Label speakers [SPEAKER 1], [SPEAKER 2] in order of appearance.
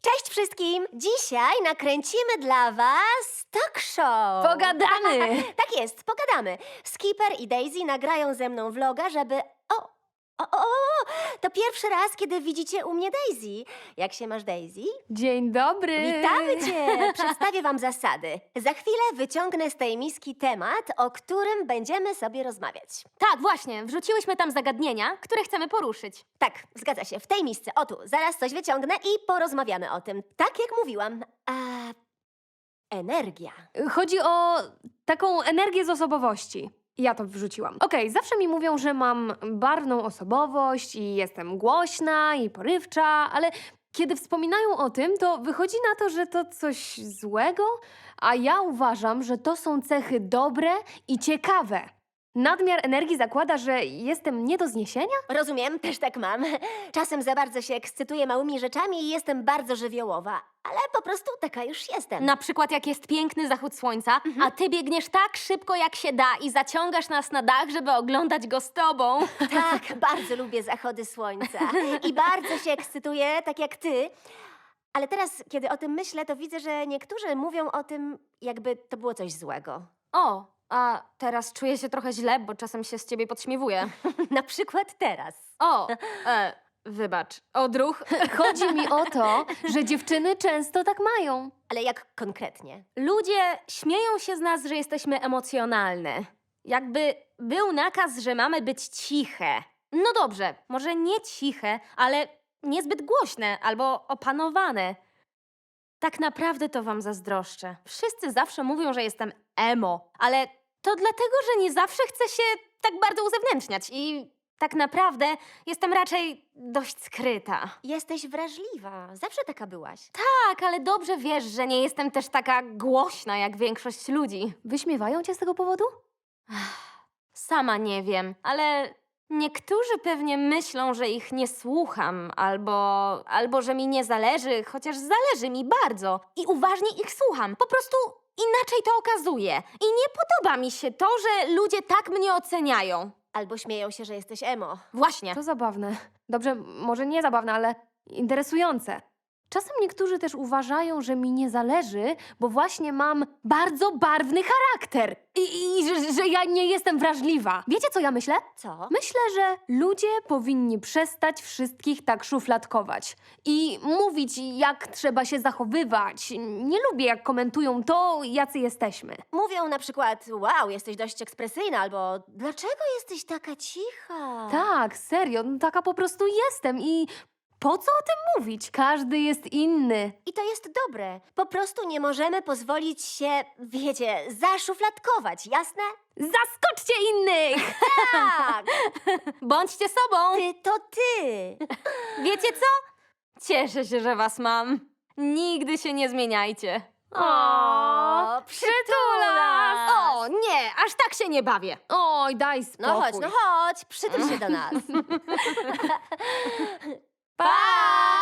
[SPEAKER 1] Cześć wszystkim! Dzisiaj nakręcimy dla was talk show.
[SPEAKER 2] Pogadamy!
[SPEAKER 1] Tak jest, pogadamy. Skipper i Daisy nagrają ze mną vloga, żeby... To pierwszy raz, kiedy widzicie u mnie Daisy. Jak się masz, Daisy?
[SPEAKER 2] Dzień dobry!
[SPEAKER 1] Witamy cię! Przedstawię wam zasady. Za chwilę wyciągnę z tej miski temat, o którym będziemy sobie rozmawiać.
[SPEAKER 2] Tak, właśnie, wrzuciłyśmy tam zagadnienia, które chcemy poruszyć.
[SPEAKER 1] Tak, zgadza się, w tej misce. O tu, zaraz coś wyciągnę i porozmawiamy o tym. Tak jak mówiłam, energia.
[SPEAKER 2] Chodzi o taką energię z osobowości. Ja to wrzuciłam. Okej, zawsze mi mówią, że mam barwną osobowość i jestem głośna i porywcza, ale kiedy wspominają o tym, to wychodzi na to, że to coś złego, a ja uważam, że to są cechy dobre i ciekawe. Nadmiar energii zakłada, że jestem nie do zniesienia?
[SPEAKER 1] Rozumiem, też tak mam. Czasem za bardzo się ekscytuję małymi rzeczami i jestem bardzo żywiołowa, ale po prostu taka już jestem.
[SPEAKER 2] Na przykład jak jest piękny zachód słońca, a ty biegniesz tak szybko jak się da i zaciągasz nas na dach, żeby oglądać go z tobą.
[SPEAKER 1] Tak, bardzo lubię zachody słońca i bardzo się ekscytuję, tak jak ty. Ale teraz, kiedy o tym myślę, to widzę, że niektórzy mówią o tym, jakby to było coś złego.
[SPEAKER 2] O, a teraz czuję się trochę źle, bo czasem się z ciebie podśmiewuję.
[SPEAKER 1] Na przykład teraz.
[SPEAKER 2] O, wybacz, odruch. Chodzi mi o to, że dziewczyny często tak mają.
[SPEAKER 1] Ale jak konkretnie?
[SPEAKER 2] Ludzie śmieją się z nas, że jesteśmy emocjonalne. Jakby był nakaz, że mamy być ciche. No dobrze, może nie ciche, ale niezbyt głośne albo opanowane. Tak naprawdę to wam zazdroszczę. Wszyscy zawsze mówią, że jestem emo, ale to dlatego, że nie zawsze chcę się tak bardzo uzewnętrzniać i tak naprawdę jestem raczej dość skryta.
[SPEAKER 1] Jesteś wrażliwa. Zawsze taka byłaś.
[SPEAKER 2] Tak, ale dobrze wiesz, że nie jestem też taka głośna jak większość ludzi. Wyśmiewają cię z tego powodu? Sama nie wiem, ale niektórzy pewnie myślą, że ich nie słucham, albo że mi nie zależy, chociaż zależy mi bardzo. I uważnie ich słucham. Po prostu inaczej to okazuję. I nie podoba mi się to, że ludzie tak mnie oceniają.
[SPEAKER 1] Albo śmieją się, że jesteś emo.
[SPEAKER 2] Właśnie. To zabawne. Dobrze, może nie zabawne, ale interesujące. Czasem niektórzy też uważają, że mi nie zależy, bo właśnie mam bardzo barwny charakter i że ja nie jestem wrażliwa. Wiecie, co ja myślę?
[SPEAKER 1] Co?
[SPEAKER 2] Myślę, że ludzie powinni przestać wszystkich tak szufladkować i mówić, jak trzeba się zachowywać. Nie lubię, jak komentują to, jacy jesteśmy.
[SPEAKER 1] Mówią na przykład, wow, jesteś dość ekspresyjna, albo dlaczego jesteś taka cicha?
[SPEAKER 2] Tak, serio, taka po prostu jestem i po co o tym mówić? Każdy jest inny.
[SPEAKER 1] I to jest dobre. Po prostu nie możemy pozwolić się, wiecie, zaszufladkować, jasne?
[SPEAKER 2] Zaskoczcie innych!
[SPEAKER 1] Tak!
[SPEAKER 2] Bądźcie sobą!
[SPEAKER 1] Ty to ty!
[SPEAKER 2] Wiecie co? Cieszę się, że was mam. Nigdy się nie zmieniajcie.
[SPEAKER 1] O, przytulas!
[SPEAKER 2] O, nie, aż tak się nie bawię. Oj, daj spokój.
[SPEAKER 1] No chodź, przytul się do nas.
[SPEAKER 2] Pa!